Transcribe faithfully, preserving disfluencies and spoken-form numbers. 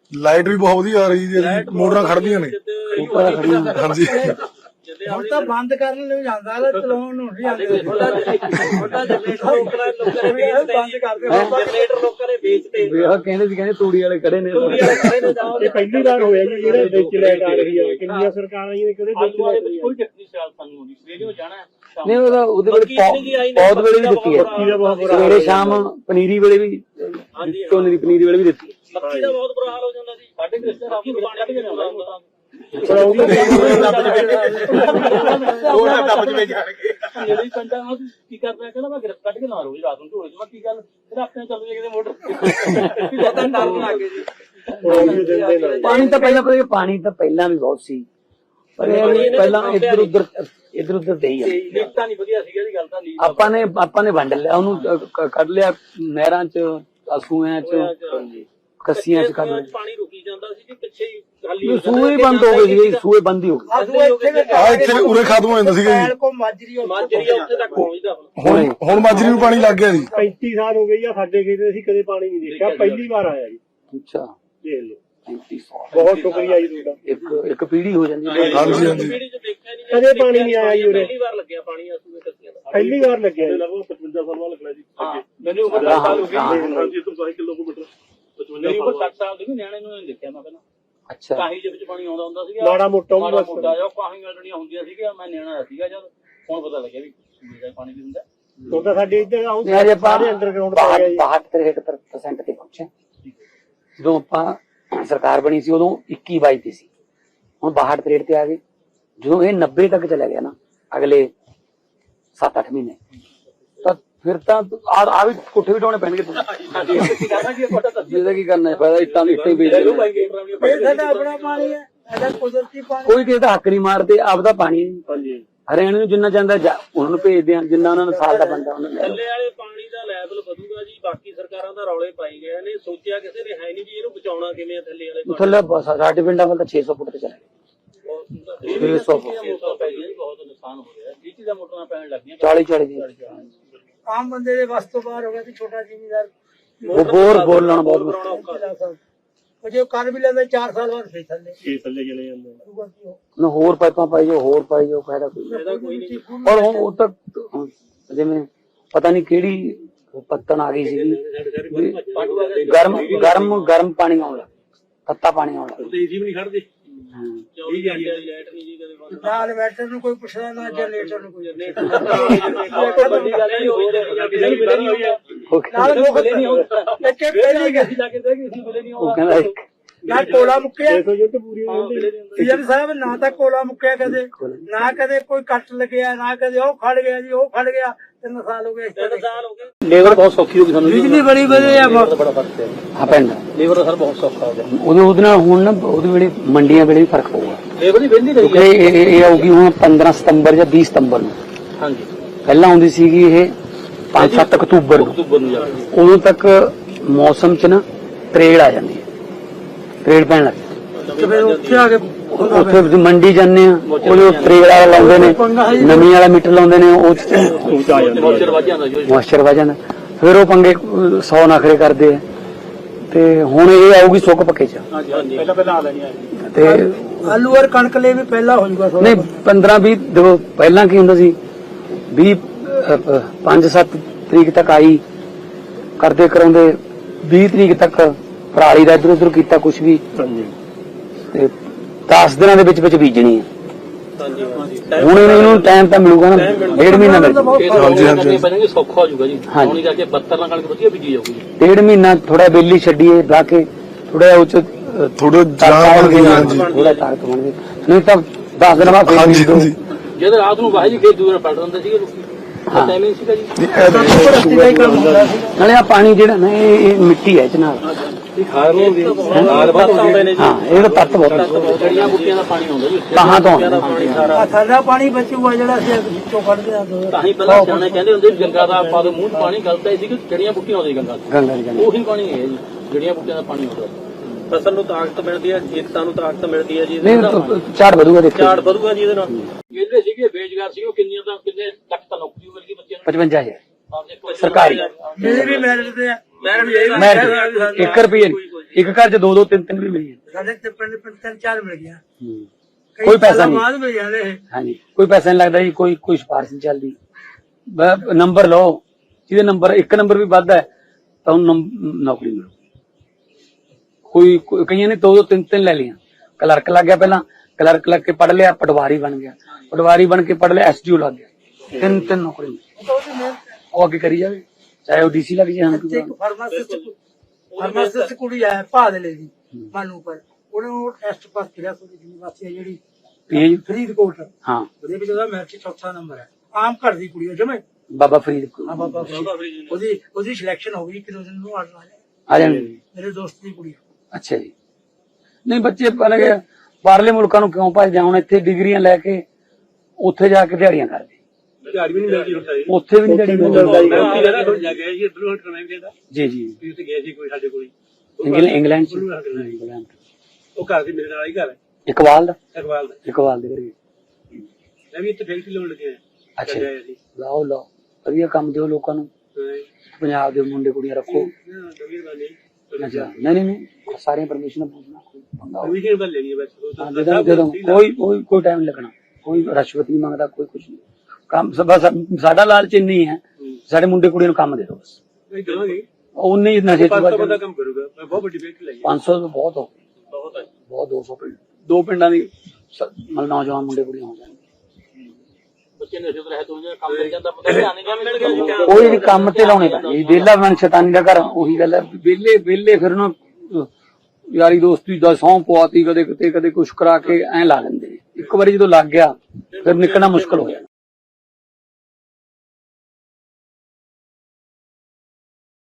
Light ਵੀ ਬਹੁਤ ਵਧੀਆ ਆ ਰਹੀ ਜੀ, ਮੋਟਰਾਂ ਖੜਦੀਆਂ ਨੇ। ਹਾਂਜੀ ਹੁਣ ਤਾਂ ਬੰਦ ਕਰਨ ਨੂੰ ਜਾਂਦਾ ਚਲਾਉਣ ਨੂੰ ਨਹੀਂ ਆਉਂਦੇ। ਬੰਦ ਕਰਦੇ ਜਨਰੇਟਰ ਲੋਕਾਂ ਨੇ ਵੇਚਤੇ। ਕਹਿੰਦੇ ਸੀ ਕਹਿੰਦੇ ਤੂੜੀ ਵਾਲੇ ਖੜੇ ਨੇ। ਇਹ ਪਹਿਲੀ ਵਾਰ ਹੋਇਆ ਜੀ ਜਿਹੜੇ ਵਿੱਚ ਲਾਈਟ ਆ ਰਹੀ ਹੈ। ਕਿੰਨੀਆਂ ਸਰਕਾਰਾਂ ਜੀ ਨੇ ਕਿਹੜੇ ਵਿੱਚ ਲਾਈਟ ਕੋਈ ਟੈਕਨੀ ਸਿਆਲ ਸਾਨੂੰ ਹੋਣੀ ਸਵੇਰੇ ਜਾਣਾ। ਨਹੀਂ ਉਹਦਾ ਉਹਦੇ ਵੇਲੇ ਪੌਦ ਵੇਲੇ ਵੀ ਦਿੱਤੀ ਹੈ, ਸਵੇਰੇ ਸ਼ਾਮ ਪਨੀਰੀ ਵੇਲੇ ਵੀ, ਝੋਨੇ ਦੀ ਪਨੀਰੀ ਵੇਲੇ ਵੀ ਦਿੱਤੀ। ਮੱਕੀ ਦਾ ਬਹੁਤ ਬੁਰਾ ਹਾਲ ਹੋ ਜਾਂਦਾ ਸੀ ਸਾਡੇ ਰਿਸ਼ਤੇਦਾਰ ਦੀ ਦੁਕਾਨ ਕੱਢ ਕੇ ਲਿਆਉਂਦਾ ਜਿਹੜੀ ਪਿੰਡਾਂ ਨੂੰ ਕੀ ਕਰਦਾ ਕਹਿੰਦਾ ਮੈਂ ਗ੍ਰਿਫ ਕੱਢ ਕੇ ਨਾ ਰੋਜ਼ ਰਾਤ ਨੂੰ ਢੋਲੇ ਚ। ਮੈਂ ਕੀ ਗੱਲ ਫਿਰ ਆਪਣੇ ਚੱਲ ਜਾਏ ਕਿਤੇ ਮੋਟਰ ਪਤਾ ਡਰ ਲੱਗ ਗਏ ਜੀ। ਪਾਣੀ ਤਾਂ ਪਹਿਲਾਂ ਪਤਾ ਪਾਣੀ ਤਾਂ ਪਹਿਲਾਂ ਵੀ ਬਹੁਤ ਸੀ, ਪਰ ਪਹਿਲਾਂ ਇੱਧਰ ਉੱਧਰ ਇੱਧਰ ਉੱਧਰ ਦੇ ਹੀ ਆ। ਨੀਤਾਂ ਨਹੀਂ ਵਧੀਆ ਸੀਗਾ ਜੀ। ਗੱਲ ਤਾਂ ਨਹੀਂ ਆਪਾਂ ਨੇ ਆਪਾਂ ਨੇ ਵੰਡ ਲਿਆ ਉਹਨੂੰ, ਕੱਢ ਲਿਆ ਨਹਿਰਾਂ ਚ, ਅਸੂਆਂ ਚ, ਕੱਸੀਆਂ ਚ ਕੱਢ ਲਿਆ। ਪਾਣੀ ਰੁਕੀ ਜਾਂਦਾ ਸੀ ਜੀ ਪਿੱਛੇ ਹੀ ਖਾਲੀ ਸੂਏ ਬੰਦ ਹੋ ਗਏ ਸੀ, ਸੂਏ ਬੰਦ ਹੀ ਹੋ ਗਏ। ਆ ਇੱਥੇ ਉਰੇ ਖਤਮ ਹੋ ਜਾਂਦਾ ਸੀਗਾ ਜੀ। ਮਾਜਰੀ ਮਾਜਰੀ ਉੱਥੇ ਤੱਕ ਪਹੁੰਚਦਾ ਹੁਣ ਹੁਣ ਮਾਜਰੀ ਨੂੰ ਪਾਣੀ ਲੱਗ ਗਿਆ ਜੀ। ਪੈਂਤੀ ਸਾਲ ਹੋ ਗਏ ਆ ਸਾਡੇ ਖੇਤ, ਅਸੀਂ ਕਦੇ ਪਾਣੀ ਨਹੀਂ ਦੇਖਿਆ, ਪਹਿਲੀ ਵਾਰ ਆਇਆ ਜੀ। ਅੱਛਾ ਦੇਖ ਲਓ, ਪੈਂਤੀ ਸੌ ਬਹੁਤ ਸ਼ੁਕਰੀਆ ਜੀ ਤੁਹਾਡਾ। ਇੱਕ ਇੱਕ ਪੀੜੀ ਹੋ ਜਾਂਦੀ ਹੈ। ਹਾਂਜੀ ਹਾਂਜੀ ਕਦੇ ਪਾਣੀ ਨਹੀਂ ਆਇਆ ਜੀ ਉਰੇ, ਪਹਿਲੀ ਵਾਰ ਲੱਗਿਆ ਪਾਣੀ ਅਸੂਏ ਕੱਸੀਆਂ ਦਾ। ਪਹਿਲੀ ਵਾਰ ਲੱਗਿਆ ਲਗਭਗ ਪਚਵੰਜਾ ਸਾਲ ਬਾਅਦ ਲੱਗਣਾ ਜੀ। ਮੈਨੂੰ ਉਮਰ ਦਸ ਸਾਲ ਹੋ ਗਈ। ਹਾਂਜੀ ਤੋਂ ਬਾਈ ਕਿਲੋਮੀਟਰ ਪਚਵੰਜਾ ਮੇਰੀ ਉਮਰ ਸੱਠ ਸਾਲ ਦੀ ਵੀ ਨਿਆਣੇ ਨੂੰ ਨਹੀਂ ਦੇਖਿਆ ਮੈਂ ਪਹਿਲਾਂ। ਅੱਛਾ ਕਾਹੀ ਦੇ ਵਿੱਚ ਪਾਣੀ ਆਉਂਦਾ ਹੁੰਦਾ ਸੀਗਾ, ਮਾੜਾ ਮੋਟਾ ਮਾੜਾ ਮੋਟਾ ਜਿਹਾ ਕਾਹੀਆਂ ਜਿਹੜੀਆਂ ਹੁੰਦੀਆਂ ਸੀਗੀਆਂ। ਮੈਂ ਨਿਆਣਾ ਸੀਗਾ ਜਦ, ਹੁਣ ਪਤਾ ਲੱਗਿਆ ਵੀ ਸੂਏ ਦਾ ਪਾਣੀ ਵੀ ਹੁੰਦਾ। ਉਹ ਤਾਂ ਸਾਡੇ ਇੱਧਰ ਆਉਂ ਯਾਰ ਆਪਾਂ ਸਾਰੇ ਅੰਡਰਗਰਾਉਂਡ ਪਾ ਗਿਆ ਜੀ। ਬਾਹਠ ਤਰੇਹਠ ਪਰਸੈਂਟ ਤੇ ਪਹੁੰਚੇ ਜਦੋਂ ਆਪਾਂ ਸਰਕਾਰ ਬਣੀ ਸੀ, ਉਦੋਂ ਇੱਕੀ ਬਾਈ ਤੇ ਸੀ, ਹੁਣ ਬਾਹਠ ਤਰੇਹਠ ਤੇ ਆ ਗਏ। ਜਦੋਂ ਇਹ ਨੱਬੇ ਤੱਕ ਚਲਾ ਗਿਆ ਨਾ ਅਗਲੇ ਸੱਤ ਅੱਠ ਮਹੀਨੇ, ਤਾਂ ਫਿਰ ਤਾਂ ਆ ਵੀ ਕੋਠੇ ਵੀ ਢਾਉਣੇ ਪੈਣਗੇ। ਜਿਹਦਾ ਕੀ ਕਰਨਾ ਫਾਇਦਾ, ਇੱਟਾਂ ਦੀ ਇੱਟਾਂ ਹੀ ਵੇਚ ਲਓ। ਆਪਣਾ ਪਾਣੀ ਹੈ, ਇਹਦਾ ਕੁਦਰਤੀ ਪਾਣੀ। ਕੋਈ ਕਿਸੇ ਦਾ ਹੱਕ ਨਹੀਂ ਮਾਰਦੇ, ਆਪਦਾ ਪਾਣੀ। ਹਾਂਜੀ ਹਰਿਆਣੇ ਨੂੰ ਜਿੰਨਾ ਚਾਹੁੰਦਾ ਉਹਨਾਂ ਨੂੰ ਭੇਜਦੇ ਆ, ਜਿੰਨਾ ਉਹਨਾਂ ਨੂੰ ਸਾਲ ਦਾ ਬੰਦਾ ਉਹਨਾਂ ਨੂੰ। ਥੱਲੇ ਵਾਲੇ ਪਾਣੀ ਦਾ ਲੈਵਲ ਵਧੂਗਾ ਜੀ। ਬਾਕੀ ਸਰਕਾਰਾਂ ਦਾ ਰੌਲੇ ਪਾਈ ਗਏ ਨੇ, ਸੋਚਿਆ ਕਿਸੇ ਨੇ ਹੈ ਨਹੀਂ ਜੀ ਇਹਨੂੰ ਬਚਾਉਣਾ ਕਿਵੇਂ। ਥੱਲੇ ਵਾਲੇ ਥੱਲੇ ਸਾਡੇ ਪਿੰਡਾਂ ਵੱਲ ਤਾਂ ਛੇ ਸੌ ਫੁੱਟ ਤੇ ਚਲੇ ਗਏ। ਛੇ ਸੌ ਬਹੁਤ ਨੁਕਸਾਨ ਹੋ ਰਿਹਾ। ਜੀਟੀ ਦਾ ਮੋਟਰਾਂ ਪੈਣ ਲੱਗੀਆਂ ਚਾਲੀ ਚਾਲੀ ਦੀ। ਆਮ ਬੰਦੇ ਦੇ ਵੱਸ ਤੋਂ ਬਾਹਰ ਹੋ ਗਿਆ ਤੇ ਛੋਟਾ ਜ਼ਿਮੀਦਾਰ ਉਹ ਬੋਰ ਬੋਲਣਾ ਬਹੁਤ ਮੁਸ਼ਕਿਲ। ਉਹ ਜੇ ਕਰ ਵੀ ਲੈਂਦੇ ਚਾਰ ਸਾਲ ਬਾਅਦ ਫੇਰ ਥੱਲੇ ਫੇਰ ਥੱਲੇ ਚਲੇ ਜਾਂਦੇ। ਨਾ ਹੋਰ ਪਾਈਪਾਂ ਪਾਈ ਜਾਓ, ਹੋਰ ਪਾਈ ਜਾਓ, ਫਾਇਦਾ ਕੋਈ ਨਹੀਂ। ਔਰ ਹੁਣ ਉਹ ਤਾਂ ਜਿਵੇਂ ਪਤਾ ਨਹੀਂ ਕਿਹੜੀ ਪੱਤਣ ਆ ਗਈ ਸੀ, ਗਰਮ ਗਰਮ ਗਰਮ ਪਾਣੀ ਆਉਣ ਲੱਗ, ਤੱਤਾ ਪਾਣੀ ਆਉਣ ਲੱਗ। ਏਸੀ ਵੀ ਨਹੀਂ ਖੜਦੇ। ਨਾ ਇਨਵਰਟਰ ਨੂੰ ਕੋਈ ਪੁੱਛਦਾ, ਨਾ ਜਨਰੇਟਰ ਨੂੰ ਕੋਈ। ਉਹ ਕਹਿੰਦਾ ਨਾ ਕੋਲਾ ਮੁੱਕਿਆ ਸਾਹਿਬ, ਨਾ ਤਾਂ ਕੋਲਾ ਮੁੱਕਿਆ ਕਦੇ, ਨਾ ਕਦੇ ਕੋਈ ਕੱਟ ਲੱਗਿਆ, ਨਾ ਕਦੇ ਉਹ ਖੜ ਗਿਆ ਜੀ, ਉਹ ਖੜ ਗਿਆ। ਤਿੰਨ ਸਾਲ ਹੋ ਗਏ, ਤਿੰਨ ਸਾਲ ਹੋ ਗਏ। ਲੇਬਰ ਬਹੁਤ ਸੌਖੀ ਹੋ ਗਈ ਸਾਨੂੰ, ਬਿਜਲੀ ਬੜੀ ਵਧੀਆ ਆ। ਬੜਾ ਫਰਕ ਹੈ ਹਾਂ ਪਿੰਡ ਲੇਬਰ ਦਾ ਸਰ ਬਹੁਤ ਸੌਖਾ ਹੋ ਗਿਆ। ਉਹਦੇ ਉਹਦੇ ਨਾਲ ਹੁਣ ਨਾ ਉਹਦੇ ਵੇਲੇ ਮੰਡੀਆਂ ਵੇਲੇ ਵੀ ਫਰਕ ਪਊਗਾ। ਲੇਬਰ ਦੀ ਵਿਹਲੀ ਰਹੀ ਕਿਉਂਕਿ ਇਹ ਇਹ ਆਊਗੀ ਹੁਣ ਪੰਦਰਾਂ ਸਤੰਬਰ ਜਾਂ ਵੀਹ ਸਤੰਬਰ ਨੂੰ। ਹਾਂਜੀ ਪਹਿਲਾਂ ਆਉਂਦੀ ਸੀਗੀ ਇਹ ਪੰਜ ਸੱਤ ਅਕਤੂਬਰ ਨੂੰ। ਅਕਤੂਬਰ ਨੂੰ ਜਾਂਦੀ। ਉਦੋਂ ਤੱਕ ਮੌਸਮ ਚ ਨਾ ਤਰੇੜ ਆ ਜਾਂਦੀ ਹੈ, ਤਰੇੜ ਪੈਣ ਲੱਗ ਫਿਰ ਉੱਥੇ ਆ ਕੇ ਉੱਥੇ ਮੰਡੀ ਜਾਂਦੇ ਆ, ਉਹਦੇ ਤਰੇੜ ਵਾਲਾ ਲਾਉਂਦੇ ਨੇ, ਨਵੀਂ ਵਾਲਾ ਮੀਟਰ ਲਾਉਂਦੇ ਨੇ, ਉਹ ਮੋਇਸਚਰ ਵੱਧ ਜਾਂਦਾ ਜੀ। ਮੋਇਸਚਰ ਵੱਧ ਜਾਂਦਾ। ਫਿਰ ਉਹ ਪੰਗੇ ਸੌ ਨਖਰੇ ਕਰਦੇ ਆ। ਤੇ ਹੁਣ ਇਹ ਆਊਗੀ ਸੁੱਕ ਪੱਕੇ ਚ। ਹਾਂਜੀ ਹਾਂਜੀ ਪਹਿਲਾਂ ਪਹਿਲਾਂ ਆ ਲੈਣੀ ਆ। ਤੇ ਆਲੂ ਔਰ ਕਣਕ ਲਈ ਵੀ ਪਹਿਲਾਂ ਹੋ ਜਾਊਗਾ। ਨਹੀਂ ਪੰਦਰਾਂ ਵੀਹ ਦੇਖੋ ਪਹਿਲਾਂ ਕੀ ਹੁੰਦਾ ਸੀ, ਵੀਹ ਪੰਜ ਸੱਤ ਤਰੀਕ ਤੱਕ ਆਈ ਕਰਦੇ ਕਰਾਉਂਦੇ, ਵੀਹ ਤਰੀਕ ਤੱਕ ਪਰਾਲੀ ਦਾ ਇੱਧਰ ਉੱਧਰ ਕੀਤਾ ਕੁਛ ਵੀ, ਤੇ ਦਸ ਦਿਨਾਂ ਦੇ ਵਿੱਚ ਵਿੱਚ ਬੀਜਣੀ ਹੈ। ਹੁਣ ਇਹਨੂੰ ਟਾਈਮ ਤਾਂ ਮਿਲੂਗਾ ਨਾ, ਡੇਢ ਮਹੀਨਾ ਮਿਲ ਜਾਊਗਾ। ਹਾਂਜੀ ਹਾਂਜੀ ਸੌਖਾ ਹੋ ਜਾਊਗਾ ਜੀ। ਹੁਣ ਜਾ ਕੇ ਬੱਤਰ ਨਾਲ ਕਣਕ ਵਧੀਆ ਬੀਜੀ ਜਾਊਗੀ। ਡੇਢ ਮਹੀਨਾ ਥੋੜਾ ਬੇਲੀ ਛੱਡੀਏ ਲਾ ਕੇ, ਥੋੜਾ ਉਹ ਚ ਥੋੜਾ ਜਾਨ ਬਣ ਗਈ। ਹਾਂਜੀ ਥੋੜਾ ਤਾਕਤ ਬਣ ਗਈ, ਨਹੀਂ ਤਾਂ ਦਸ ਦਿਨਾਂ ਬਾਅਦ ਹਾਂਜੀ ਹਾਂਜੀ ਜਦ ਰਾਤ ਨੂੰ ਵਾਹੀ ਜੀ ਖੇਤ ਦੂਰ ਪਲਟ ਦਿੰਦੇ ਸੀਗੇ ਲੋਕੀ। ਟਾਈਮਿੰਗ ਸੀਗਾ ਜੀ। ਨਾਲੇ ਆ ਪਾਣੀ ਜਿਹੜਾ ਨਾ ਇਹ ਮਿੱਟੀ ਹੈ ਇਹ ਚ ਨਾਲ। ਖਾਦ ਨੂੰ ਖਾਦ ਬਹੁਤ ਆਉਂਦੇ ਨੇ ਜੀ। ਹਾਂ ਇਹਦਾ ਤੱਤ ਬਹੁਤ, ਜੜੀਆਂ ਬੂਟੀਆਂ ਦਾ ਪਾਣੀ ਆਉਂਦਾ ਜੀ। ਕਹਾਂ ਤੋਂ ਸਾਡਾ ਪਾਣੀ ਬਚੂਗਾ ਜਿਹੜਾ ਅਸੀਂ ਵਿੱਚੋਂ ਕੱਢਦੇ ਆ। ਤਾਂ ਹੀ ਪਹਿਲਾਂ ਸਿਆਣੇ ਕਹਿੰਦੇ ਹੁੰਦੇ ਗੰਗਾ ਦਾ ਪਾ ਦੋ ਮੂੰਹ ਚ ਪਾਣੀ। ਗਲਤ ਹੈ ਸੀ ਕਿ ਜੜੀਆਂ ਬੂਟੀਆਂ ਆਉਂਦੀਆਂ ਗੰਗਾ ਤੋਂ। ਗੰਗਾ ਦੀ ਗੰਗਾ ਉਹੀ ਪਾਣੀ ਹੈ ਜੀ, ਜੜੀਆਂ ਬੂਟੀਆਂ ਦਾ ਪਾਣੀ ਆਉਂਦਾ। ਫਸਲ ਨੂੰ ਤਾਕਤ ਮਿਲਦੀ ਹੈ, ਏਕਤਾ ਨੂੰ ਤਾਕਤ ਮਿਲਦੀ ਹੈ ਜੀ। ਨਹੀਂ ਝਾੜ ਵਧੂਗਾ, ਦੇਖੋ ਝਾੜ ਵਧੂਗਾ ਜੀ ਇਹਦੇ ਨਾਲ। ਜਿਹੜੇ ਸੀਗੇ ਬੇਰੁਜ਼ਗਾਰ ਸੀਗੇ ਉਹ ਕਿੰਨੀਆਂ ਤਾਂ ਕਿੰਨੇ ਤੱਕ ਤਾਂ ਨੌਕਰੀ ਮਿਲ ਗਈ ਬੱਚਿਆਂ ਨੂੰ। ਪਚਵੰਜਾ ਹਜ਼ਾਰ ਸਰਕਾਰੀ। ਜਿਹੜੇ ਵੀ ਮੈਰਿਟ ਤੇ ਆ, ਮੈਂ ਇੱਕ ਰੁਪਏ ਇੱਕ ਘਰ 'ਚ ਦੋ ਦੋ ਤਿੰਨ ਤਿੰਨ ਵੀ ਮਿਲ ਜਾਂਦੇ। ਸਾਡੇ ਤੇ ਪਿੰਡ ਪਿੰਡ ਤਿੰਨ ਚਾਰ ਮਿਲ ਗਿਆ, ਹੂੰ। ਕਈ ਕੋਈ ਪੈਸਾ ਸਾਲਾਂ ਨਹੀਂ। ਬਾਅਦ ਮਿਲ ਜਾਂਦੇ ਇਹ। ਹਾਂਜੀ ਕੋਈ ਪੈਸਾ ਨਹੀਂ ਲੱਗਦਾ ਜੀ, ਕੋਈ ਕੋਈ ਸਿਫਾਰਿਸ਼ ਨਹੀਂ ਚੱਲਦੀ। ਬ- ਨੰਬਰ ਲਓ, ਜਿਹਦੇ ਨੰਬਰ ਇੱਕ ਨੰਬਰ ਵੀ ਵੱਧ ਹੈ ਤਾਂ ਉਹਨੂੰ ਨੰਬ- ਨੌਕਰੀ ਮਿਲੂ। ਕੋਈ ਕੋਈ- ਕਈਆਂ ਨੇ ਦੋ ਦੋ ਤਿੰਨ ਤਿੰਨ ਲੈ ਲਈਆਂ। ਕਲਰਕ ਲੱਗ ਗਿਆ, ਪਹਿਲਾਂ ਕਲਰਕ ਲੱਗ ਕੇ ਪੜ੍ਹ ਲਿਆ, ਪਟਵਾਰੀ ਬਣ ਗਿਆ, ਪਟਵਾਰੀ ਬਣ ਕੇ ਪੜ੍ਹ ਲਿਆ, ਐਸਡੀਓ ਲੱਗ ਗਿਆ। ਤਿੰਨ ਤਿੰਨ ਨੌਕਰੀ ਮਿਲੀ। ਉਹ ਤਾਂ ਉਹਦੀ ਮਿਹਨਤ ਹੈ। ਉਹ ਅੱਗੇ ਕਰੀ ਜਾਵੇ, ਚਾਹੇ ਉਹ ਡੀਸੀ ਲੱਗ ਜਾਏ। ਹਾਂ ਇੱਥੇ ਇੱਕ ਫਾਰਮਾਸਿਸਟ ਫਾਰਮਾਸਿਸਟ ਕੁੜੀ ਹੈ ਭਾਦਲੇ ਦੀ ਮਾਨੂ ਪਰ, ਉਹਨੇ ਉਹ ਟੈਸਟ ਪਾਸ ਕਰਿਆ ਕੋਈ ਯੂਨੀਵਰਸਿਟੀ ਹੈ ਜਿਹੜੀ ਪੀਏ ਫਰੀਦਕੋਟ, ਹਾਂ ਉਹਦੇ ਵਿੱਚ ਉਹਦਾ ਮੈਰਿਟ ਚੌਥਾ ਨੰਬਰ ਹੈ। ਆਮ ਘਰ ਦੀ ਕੁੜੀ ਹੈ ਜਮੇ। ਬਾਬਾ ਫਰੀਦ ਹਾਂ ਬਾਬਾ ਫਰੀਦ। ਉਹਦੀ ਉਹਦੀ ਸਿਲੈਕਸ਼ਨ ਹੋ ਗਈ, ਕਿਦੋਂ ਦਿਨ ਨੂੰ ਆਣ ਵਾਲੇ ਆ ਜਾਣਗੇ। ਮੇਰੇ ਦੋਸਤ ਦੀ ਕੁੜੀ। ਅੱਛਾ ਜੀ। ਨਹੀਂ ਬੱਚੇ ਪਹਿਲੇ ਕਿ ਬਾਹਰਲੇ ਮੁਲਕਾਂ ਨੂੰ ਕਿਉਂ ਭੱਜਦੇ ਆ? ਹੁਣ ਇੱਥੇ ਡਿਗਰੀਆਂ ਲੈ ਕੇ ਉੱਥੇ ਜਾ ਕੇ ਦਿਹਾੜੀਆਂ ਕਰਦੇ, ਝਾੜ ਵੀ ਨਹੀਂ ਮਿਲਦੀ ਹੁੰਦਾ ਜੀ। ਉੱਥੇ ਵੀ ਨਹੀਂ ਦਿਹਾੜੀ ਮਿਲਦੀ। ਉੱਥੇ ਜਗ੍ਹਾ ਤੋਂ ਜਾ ਕੇ ਜੀ ਇੱਧਰੋਂ ਕਰਨਾ ਵੀ ਦੇਦਾ ਜੀ ਜੀ ਵੀ ਉੱਥੇ ਗਏ ਸੀ ਕੋਈ ਸਾਡੇ ਕੋਲ, ਇੰਗਲੈਂਡ ਇੰਗਲੈਂਡ ਚ ਇੰਗਲੈਂਡ ਉਹ ਘਰ ਦੀ ਮੇਰੇ ਨਾਲ ਹੀ ਘਰ ਹੈ ਇਕਬਾਲ ਦਾ ਅਕਵਾਲ ਦਾ। ਇਕਬਾਲ ਦੇ ਘਰੇ। ਮੈਂ ਵੀ ਇੱਥੇ ਫੈਕਟਰੀ ਲਾਉਣ ਲੱਗਿਆ। ਅੱਛਾ ਜੀ। ਲਾਓ ਲਾਓ, ਵਧੀਆ ਕੰਮ ਦਿਓ ਲੋਕਾਂ ਨੂੰ, ਪੰਜਾਬ ਦੇ ਮੁੰਡੇ ਕੁੜੀਆਂ ਰੱਖੋ। ਅੱਛਾ ਨਹੀਂ ਨਹੀਂ ਨਹੀਂ ਸਾਰੀਆਂ ਪਰਮਿਸ਼ਨ ਪੁੱਛਣਾ, ਕੋਈ ਪੰਗਾ ਹੋਵੇ। ਕਮਿਸ਼ਨ ਵੱਲ ਲੈਣੀ ਹੈ ਬਸ। ਹਾਂ, ਦੇ ਦਾਂਗੇ, ਦੇ ਦਾਂਗੇ। ਕੋਈ ਕੋਈ ਕੋਈ ਟਾਈਮ ਨਹੀਂ ਲੱਗਣਾ, ਕੋਈ ਰਿਸ਼ਵਤ ਨਹੀਂ ਮੰਗਦਾ, ਕੋਈ ਕੁਝ ਨਹੀਂ। ਕੰਮ ਸ- ਬਸ ਸਾਡਾ ਲਾਲਚ ਇੰਨੀ ਹੈ, ਸਾਡੇ ਮੁੰਡੇ ਕੁੜੀਆਂ ਨੂੰ ਕੰਮ ਦੇ ਦਿਓ ਬਸ। ਨਹੀਂ ਕਰਾਂਗੇ, ਉਨੇ ਹੀ ਨਸ਼ੇ ਪੰਜ ਸੌ ਚ ਬੰਦਾ ਕੰਮ ਕਰੂਗਾ। ਮੈਂ ਬਹੁਤ ਵੱਡੀ ਫੈਕਟਰੀ ਲਾਈ ਹੈ। ਪੰਜ ਸੌ ਤੋਂ ਬਹੁਤ ਹੋ ਬਹੁਤ ਹੈ। ਬਹੁਤ ਦੋ ਸੌ ਪਿੰਡ, ਦੋ ਪਿੰਡਾਂ ਦੀ ਸ- ਮਤਲਬ ਨੌਜਵਾਨ ਮੁੰਡੇ ਕੁੜੀਆਂ ਹੋ ਜਾਣਗੇ। ਬੱਚੇ ਨਸ਼ੇ ਤੋਂ ਰਹਿਤ ਹੋ ਜਾਂਦੇ, ਕੰਮ ਮਿਲ ਜਾਂਦਾ, ਪਤਾ ਧਿਆਨ ਨਹੀਂ ਮਿਲ ਗਿਆ ਜੀ। ਕੋਈ ਵੀ ਕੰਮ ਤੇ ਲਾਉਣੇ ਪੈਂਦੇ, ਵਿਹਲਾ ਬਣ ਸ਼ੈਤਾਨੀ ਦਾ ਘਰ। ਉਹੀ ਗੱਲ ਹੈ, ਵਿਹਲੇ ਵਿਹਲੇ ਫਿਰ ਨਾ ਯਾਰੀ ਦੋਸਤੀ ਦਾ ਸਹੁੰ ਪਵਾਤੀ, ਕਦੇ ਕਿਤੇ ਕਦੇ ਕੁਛ ਕਰਾ ਕੇ ਐਂ ਲਾ ਲੈਂਦੇ ਨੇ। ਇੱਕ ਵਾਰੀ ਜਦੋਂ ਲੱਗ ਗਿਆ ਫਿਰ ਨਿਕਲਣਾ ਮੁਸ਼ਕਲ ਹੋ ਜਾਂਦਾ।